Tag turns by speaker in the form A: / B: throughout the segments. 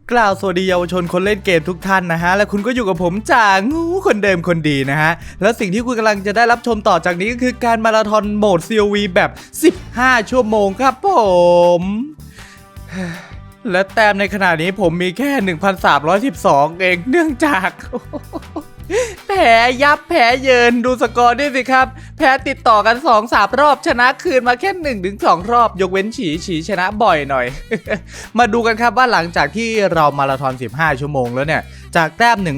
A: กล่าวสวัสดีเยาวชนคนเล่นเกมทุกท่านนะฮะและคุณก็อยู่กับผมจ่างูคนเดิมคนดีนะฮะแล้วสิ่งที่คุณกำลังจะได้รับชมต่อจากนี้ก็คือการมาราธอนโหมด COV แบบ15ชั่วโมงครับผมและแต้มในขณะนี้ผมมีแค่ 1,312 เองเนื่องจากแพ้ยับแพ้เยินดูสกอร์ด้วยสิครับแพ้ติดต่อกัน 2-3 รอบชนะคืนมาแค่ 1-2 รอบยกเว้นฉีชนะบ่อยหน่อย มาดูกันครับว่าหลังจากที่เรามาราธอน15ชั่วโมงแล้วเนี่ยจากแต้ม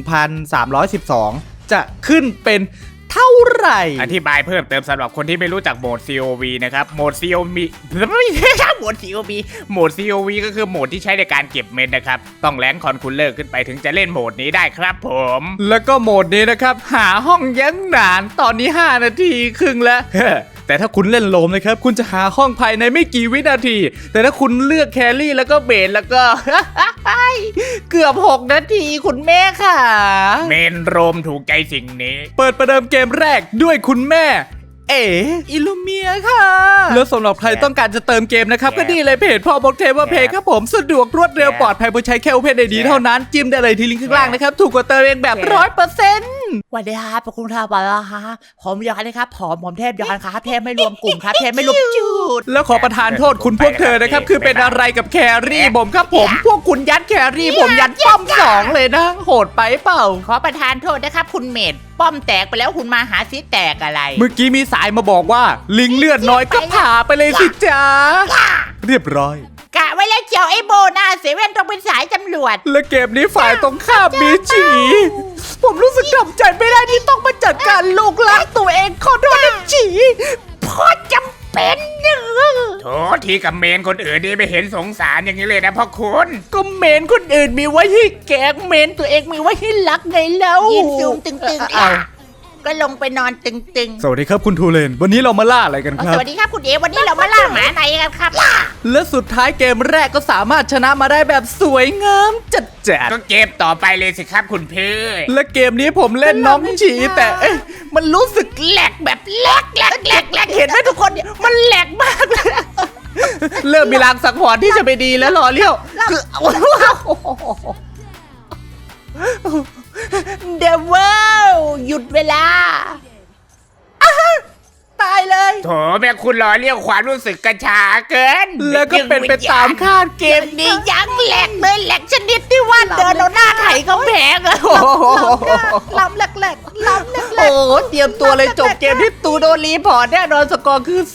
A: 1,312 จะขึ้นเป็นเท่าไหร่
B: อธิบายเพิ่มเติมสำหรับคนที่ไม่รู้จักโหมด COV นะครับโหมด COV ไม่ใช่โหมด COV โหมด COV ก็คือโหมดที่ใช้ในการเก็บเม็ดนะครับต้องแรงคอนคูลเลอร์ขึ้นไปถึงจะเล่นโหมดนี้ได้ครับผม
A: แล้วก็โหมดนี้นะครับหาห้องยังนานตอนนี้5นาทีครึ่งแล้วแต่ถ้าคุณเล่นโลมนะครับคุณจะหาห้องภายในไม่กี่วินาทีแต่ถ้าคุณเลือกแครี่แล้วก็เบสแล้วก็ เกือบ6นาทีคุณแม่ค่ะ
B: เมนโรมถูกใจสิ่งนี้
A: เปิดประเดิมเกมแรกด้วยคุณแม่อิลูเมียค่ะแล้วสำหรับใครต้องการจะเติมเกมนะครับก็นี่เลยเพจพ่อบอกเทว่าเพจครับผมสะดวกรวดเร็วปลอดภัยผู้ใช้แค่ Open ID เท่านั้นจิ้มได้เลยที่ลิงก์ข้างล่างนะครับถูกกว่าเติมเองแบบ 100%
C: วันนี้ครับขอบคุณครับบอลค่ะผมยอนนะครับผมเทพยอนครับเทพไม่รวมกลุ่มครับเทพไม่รวมจุด
A: แล้วขอประทานโทษคุณพวกเธอนะครับคือเป็นอะไรกับแครี่ผมครับผมพวกคุณยัดแครี่ผมยัดป้อม2เลยนะโหดไปเปล่า
C: ขอประทานโทษนะครับคุณเมดป้อมแตกไปแล้วคุณมาหาซิแตกอะไร
A: เมื่อกี้มีสายมาบอกว่าลิงเลือดน้อยก็ผ่าไปเลยสิจ้าเรียบร้อย
C: กะไว้แล้วเจียวไอ้โบนาเซเว่นต้องเป็นสายตำรวจ
A: และเกมนี้ฝ่ายตรงข้ามมีฉีผมรู้สึกทำใจไม่ได้ที่ต้องมาจัดการลูกหลานตัวเองขอโทษนะฉี
C: พอจำเป็น
B: โถทีกับเมนคนอื่นนี่ไม่เห็นสงสารอย่างนี้เลยนะพ่อคุณ
C: ก็เมนคนอื่นมีไว้ให้แกงเมนตัวเองมีไว้ให้รักไงแล้วยืนซูมตึงๆก็ลงไปนอนตึง
A: ๆสวัสดีครับคุณทูเลนวันนี้เรามาล่าอะไรกันครับ
C: สวัสดีครับคุณเอวันนี้เรามาล่าหมาไหนกันครับ
A: และสุดท้ายเกมแรกก็สามารถชนะมาได้แบบสวยงามจัด
B: ก็เกมต่อไปเลยสิครับคุณพี่
A: และเกมนี้ผมเล่นน้องฉีแต่มันรู้สึก
C: แหลกแบบแหลกเห็นไหมทุกคนเนี่ยมันแหลกมากเลย
A: เริ่มมีลางสังหรณ์ที่จะไปดีแล้วรอเลี้ยวคือ
C: เดวิลหยุดเวลาตายเลย
B: โถแม่คุณรอเรียกความรู้สึกกระชาเกิน
A: แล้วก็เป็นไปตามคาด
C: เกมนี้ยังแหลกเลยแหลกชนิดที่ว่าเดินเอาหน้าไถเขาแพงอะล้ำแหลก
A: โอ้เตรียมตัวเลยจบเกมที่ตูโดนรีพอร์ตแน่นอนสกอร์คือ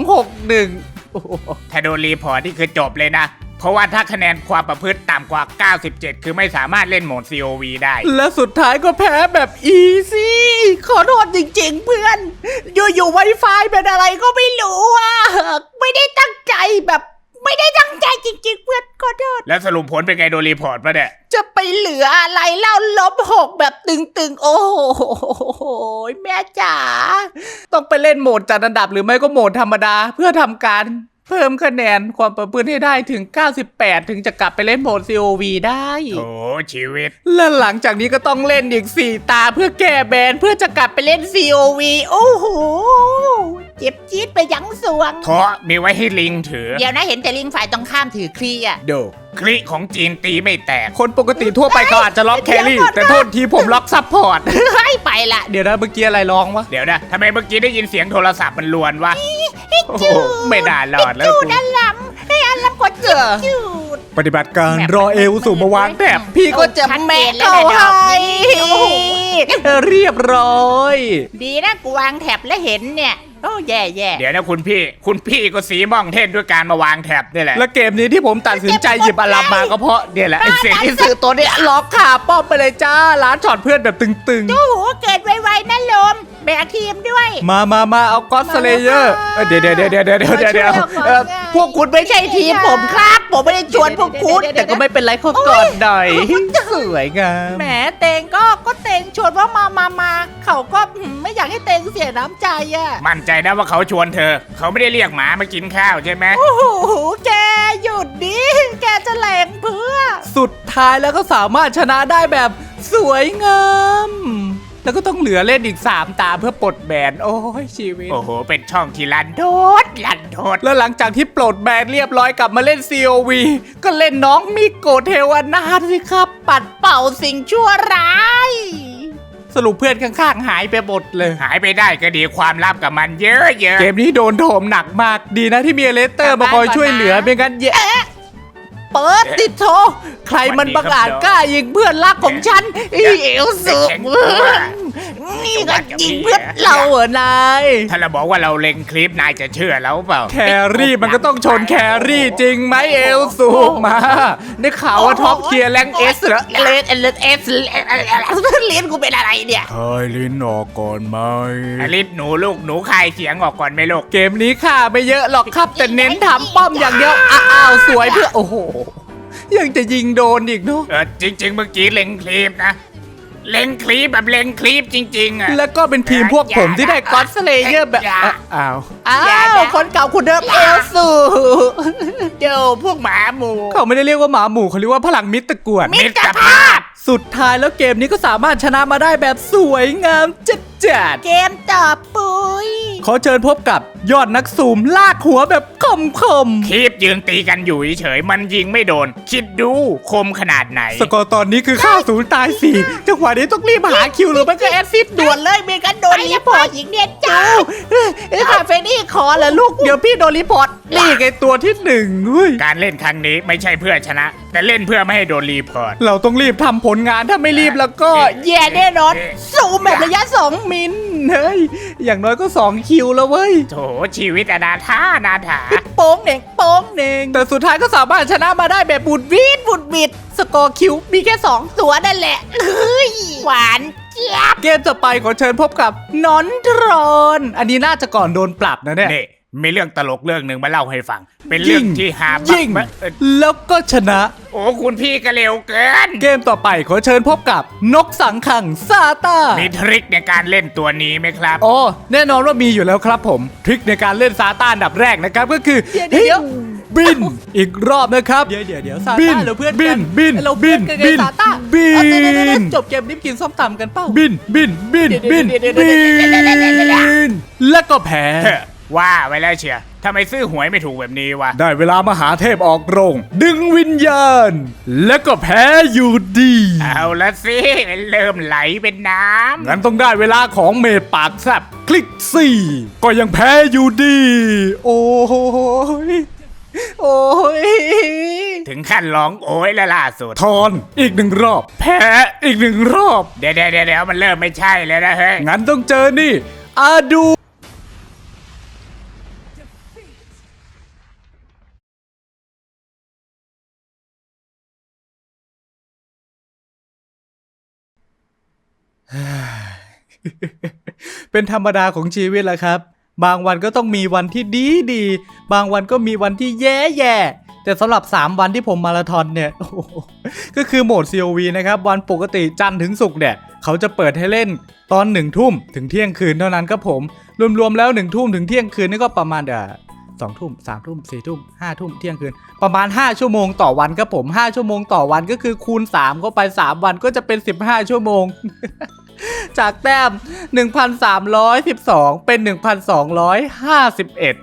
A: 2-6-1
B: ถ้าโดนรีพอร์ตนี่คือจบเลยนะเพราะว่าถ้าคะแนนความประพฤติต่ำกว่า97คือไม่สามารถเล่นโหมด COV ได้
A: และสุดท้ายก็แพ้แบบอีซี่
C: ขอโทษจริงๆเพื่อนอยู่ๆ Wi-Fi เป็นอะไรก็ไม่รู้อ่ะไม่ได้ตั้งใจแบบไม่ได้ตั้งใจจริงๆเพื่อนขอโทษ
B: แล้วสรุปผลเป็นไงโดนรีพอร์ตปะเนี่ย
C: จะไปเหลืออะไรเล่า-6แบบตึงๆโอ้โหแม่จ๋า
A: ต้องไปเล่นโหมดจัดอันดับหรือไม่ก็โหมดธรรมดาเพื่อทำการเพิ่มคะแนนความประพฤติให้ได้ถึง98ถึงจะกลับไปเล่นโหมด COV ได้
B: โอ้ชีวิต
A: และหลังจากนี้ก็ต้องเล่นอีก4ตาเพื่อแก้แบนเพื่อจะกลับไปเล่น COV
C: โอ้โหเจ็บจี๊ดไปยังสวง
B: เพราะมีไว้ให้ลิงถือ
C: เดี๋ยวนะเห็นแต่ลิงฝ่ายตรงข้ามถือคลีอะ
A: โด
B: คลิของจีนตีไม่แตก
A: คนปกติทั่วไปเขาอาจจะล็อกแครี่แต่โทษทีผมล็อกซัพพอร์ต
C: ให้ไปละ
A: เดี๋ยวนะเมื่อกี้อะไรร้องวะ
B: เดี๋ยวนะทำไมเมื่อกี้ได้ยินเสียงโทรศัพท์มันลวนวะไม่น่ารอดแล้ว
C: จูดอันล้ำให้อันล้ำกดจูด
A: ปฏิบัติการรอเอลสู่มาวางแถบพี่ก็จะแม่เข้าให้เรียบร้อย
C: ดีนะกูวางแถบแล้วเห็นเนี่ยโอ้แย่
B: เดี๋ยวนะคุณพี่ก็สีม่องเท่นด้วยการมาวางแถบนี่แหละ
A: และเกมนี้ที่ผมตัดสินใจหยิบอารัมมาก็เพราะเนี่ยแหละไอเสียงที่สื่อตัวเนี้ยล็อกขาป้อมไปเลยจ้าล้านช็อตเพื่อนแบบตึง
C: ๆโอ้โหเกิดไวๆนั่นลมแบกทีมด้วย
A: มาเอาก็อดสเลเยอร์เดี๋ยวพวกคุณไม่ใช่ทีมผมครับผมไม่ได้ชวนพวกคุณแต่ก็ไม่เป็นไรเขาก่อนหน่อยสวยงาม
C: แหมเตงก็เตงชวนว่ามาเขาก็ไม่อยากให้เตงเสียน้ำใจอ่ะ
B: มั่นใจนะว่าเขาชวนเธอเขาไม่ได้เรียกหมามากินข้าวใช่ไหม
C: โอ้โหแกหยุดดิแกจะแหลงเพื่อ
A: สุดท้ายแล้วก็สามารถชนะได้แบบสวยงามแล้วก็ต้องเหลือเล่นอีก3ตาเพื่อปลดแบนโอ้ยชีวิต
B: โอ้โหเป็นช่องที่ลันโทษ
A: แล้วหลังจากที่ปลดแบนเรียบร้อยกลับมาเล่น COV ก็เล่นน้องมิโกะเทวนาถสิครับ
C: ปัดเป่าสิ่งชั่วร้าย
A: สรุปเพื่อนข้างๆหายไปหมดเลย
B: หายไปได้ก็ดีความลับกับมันเยอะ
A: เกมนี้โดนโถมหนักมากดีนะที่มีเลสเตอร์มาคอยช่วยเหลือไม่งั้นแย่
C: เปิดติดโทใครมันบังอาจกล้ายิงเพื่อนรักของฉันเอลสูเพื่อนนี่ก็ยิงเพื่อนเราเหรอนาย
B: ถ้าเราบอกว่าเราเล็งคลิปนายจะเชื่อแล้วเปล่า
A: แครี่มันก็ต้องชนแครี่จริงไหมเอลสูมาได้ข่าวว่าท็อปเทียร์แรงเอสเหรอ
C: เลนเอสเลียนกูเป็นอะไรเนี่ย
A: คายลิ้นออกก่อนไหม
B: อลิสหนูลูกหนูคายเสียงออกก่อนไหมลูก
A: เกมนี้ค่าไม่เยอะหรอกครับแต่เน้นทำป้อมอย่างเดียวอ้าวสวยเพื่อโอ้โหยังจะยิงโดนอีกเนาะ
B: จริง ๆ เมื่อกี้เล็งคลิปนะ เล็งคลิปแบบเล็งคลิปจริงๆอ่ะ
A: แล้วก็เป็นทีมพวกผมที่ได้ก็อดสเลเยอร์แบบอ้าว
C: อ้าวคนเก่าคุณเดิมเอลสู
B: เดี๋ยวพวกหมาหมู
A: เขาไม่ได้เรียกว่าหมาหมู่เขาเรียกว่าพลังมิตรกวด
B: มิตรภาพ
A: สุดท้ายแล้วเกมนี้ก็สามารถชนะมาได้แบบสวยงามจัด
C: เกมต่อปุย
A: ขอเชิญพบกับยอดนักซูมลากหัวแบบคม
B: คลิปยืนตีกันอยู่เฉยๆมันยิงไม่โดน คิดดูคมขนาดไหน
A: สกอร์ตอนนี้คือค่าศูนย์ตาย4จังหวะนี้ต้องรีบหาคิวหรือไม่ก็แอซซิด
C: ด่วนเลยเมกันโดนรีพอร์ตหญิงเนี่ยเจ้าคาเฟนี่ขอเหรอลูกเดี๋ยวพี่โดนรีพอร์ต
A: นี่ไงตัวที่1เฮ้ย
B: การเล่นครั้งนี้ไม่ใช่เพื่อชนะ แต่เล่นเพื่อไม่ให้โดนรีพอร์ต
A: เราต้องรีบทำผลงานถ้าไม่รีบแล้วก็
C: แย่แน่นอนซูมแบบระยะ2 มิล
A: เฮ้ยอย่างน้อยก็2คิวแล้วเว้ย
B: โถชีวิตอนาถา
C: โป้งเหน่งโป้งเหน่ง
A: แต่สุดท้ายก็สามารถชนะมาได้แบบบุดวิด
C: บุดบิดสกอร์คิวมีแค่2ตัวนั่นแหละเฮ้ยหวานเจี๊ยบ
A: เกมต่อไปขอเชิญพบกับนอนทรอน อันนี้น่าจะก่อนโดนปรับนะเนี่ย
B: นี่มีเรื่องตลกเรื่องหนึ่งมาเล่าให้ฟัง เป็นเรื่องที่หา
A: ยิงแล้วก็ชนะ
B: โอ้คุณพี่ก็เร็วเกิน
A: เกมต่อไปขอเชิญพบกับนกสังขังซาตา
B: มีทริคในการเล่นตัวนี้ไหมครับ
A: อ๋อแน่นอนว่ามีอยู่แล้วครับผมทริคในการเล่นซาตาอันดับแรกนะครับก็คือ
C: เดี๋ยว
A: บินอีกรอบนะครับ
C: เดี๋ยวซา
A: บิ
C: ต้าน เราเพื่อน
A: บิ
C: กัน
A: บิน
C: เราเพื่อนกัน
A: บิน
C: ซาต้า
A: บิน
C: เอาเดี๋ยวจบเกมนี้กินส้มตำกันเป้า
A: บินบินบินบิน
C: เดี๋ยว
A: บินแล้วก็แพ้
B: เฮ้อว่าไว้แล้วเชียร์ทำไมซื้อหวยไม่ถูกแบบนี้วะ
A: ได้เวลามหาเทพออกโรง ดึงวิญญาณ แล้วก็แพ้อยู่ดี
B: เอาละสิเริ่มไหลเป็นน้
A: งั้นต้องได้เวลาของเมดปากแซบคลิก4ก็ยังแพ้อยู่ดี โอ้ยโอ้ย
B: ำถึงขั้นร้องโอ้ยและล่าสุด
A: ทอนอีก1 รอบ แพ้อีก1 รอบ
B: เดี๋ยวมันเริ่มไม่ใช่แล้วนะเฮ้ย
A: งั้นต้องเจอนี่อาดูเป็นธรรมดาของชีวิตแหละครับ บางวันก็ต้องมีวันที่ดีบางวันก็มีวันที่แย่แต่สำหรับ3วันที่ผมมาราธอนเนี่ย โอ้โหก็คือโหมด COV นะครับวันปกติจันทร์ถึงศุกร์เนี่ยเขาจะเปิดให้เล่นตอน1 ทุ่มถึงเที่ยงคืนเท่านั้นครับผมรวมๆแล้ว1 ทุ่มถึงเที่ยงคืนนี่ก็ประมาณ2 ทุ่ม3 ทุ่ม4 ทุ่ม5 ทุ่มเที่ยงคืนประมาณ5 ชั่วโมงต่อวันครับผม5 ชั่วโมงต่อวันก็คือคูณ3เข้าไป3 วันก็จะเป็น15 ชั่วโมง จากแต้ม 1,312 เป็น 1,251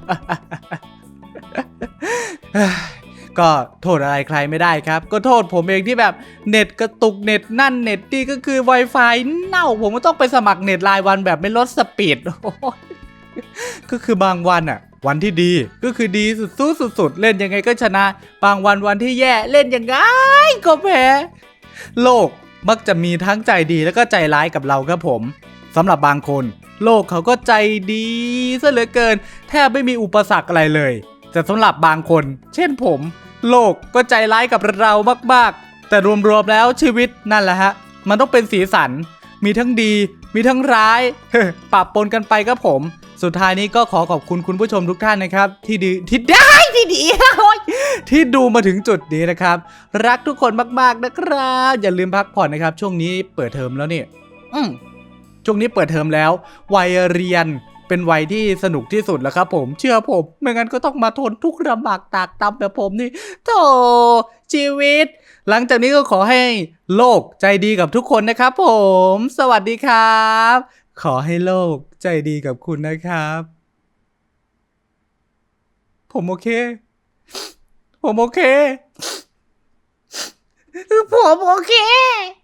A: ก็โทษอะไรใครไม่ได้ครับ ก็โทษผมเองที่แบบเน็ตกระตุกเน็ตนั่นเน็ตนี่ก็คือ Wi-Fi เน่าผมก็ต้องไปสมัครเน็ตรายวันแบบไม่ลดสปีด ก็คือบางวันอะวันที่ดีก็คือดีสุดๆเล่นยังไงก็ชนะ บางวันที่แย่เล่นยังไงก็แพ้โลกมักจะมีทั้งใจดีแล้วก็ใจร้ายกับเราครับผมสำหรับบางคนโลกเขาก็ใจดีซะเหลือเกินแทบไม่มีอุปสรรคอะไรเลยแต่สำหรับบางคนเช่นผมโลกก็ใจร้ายกับเรามากๆแต่รวมๆแล้วชีวิตนั่นแหละฮะมันต้องเป็นสีสันมีทั้งดีมีทั้งร้าย ปะปนกันไปครับผมสุดท้ายนี้ก็ขอขอบคุณคุณผู้ชมทุกท่านนะครับที่ดีที่ดูมาถึงจุดนี้นะครับรักทุกคนมากๆนะครับอย่าลืมพักผ่อนนะครับช่วงนี้เปิดเทอมแล้วเนี่ยช่วงนี้เปิดเทอมแล้ววัยเรียนเป็นวัยที่สนุกที่สุดแล้วครับผมเชื่อผมไม่งั้นก็ต้องมาทนทุกข์ลำบากตากตำแบบผมนี่โธ่ชีวิตหลังจากนี้ก็ขอให้โลกใจดีกับทุกคนนะครับผมสวัสดีครับ ขอให้โลกใจดีกับคุณนะครับ ผมโอเค ผมโอเค
C: ผมโอเค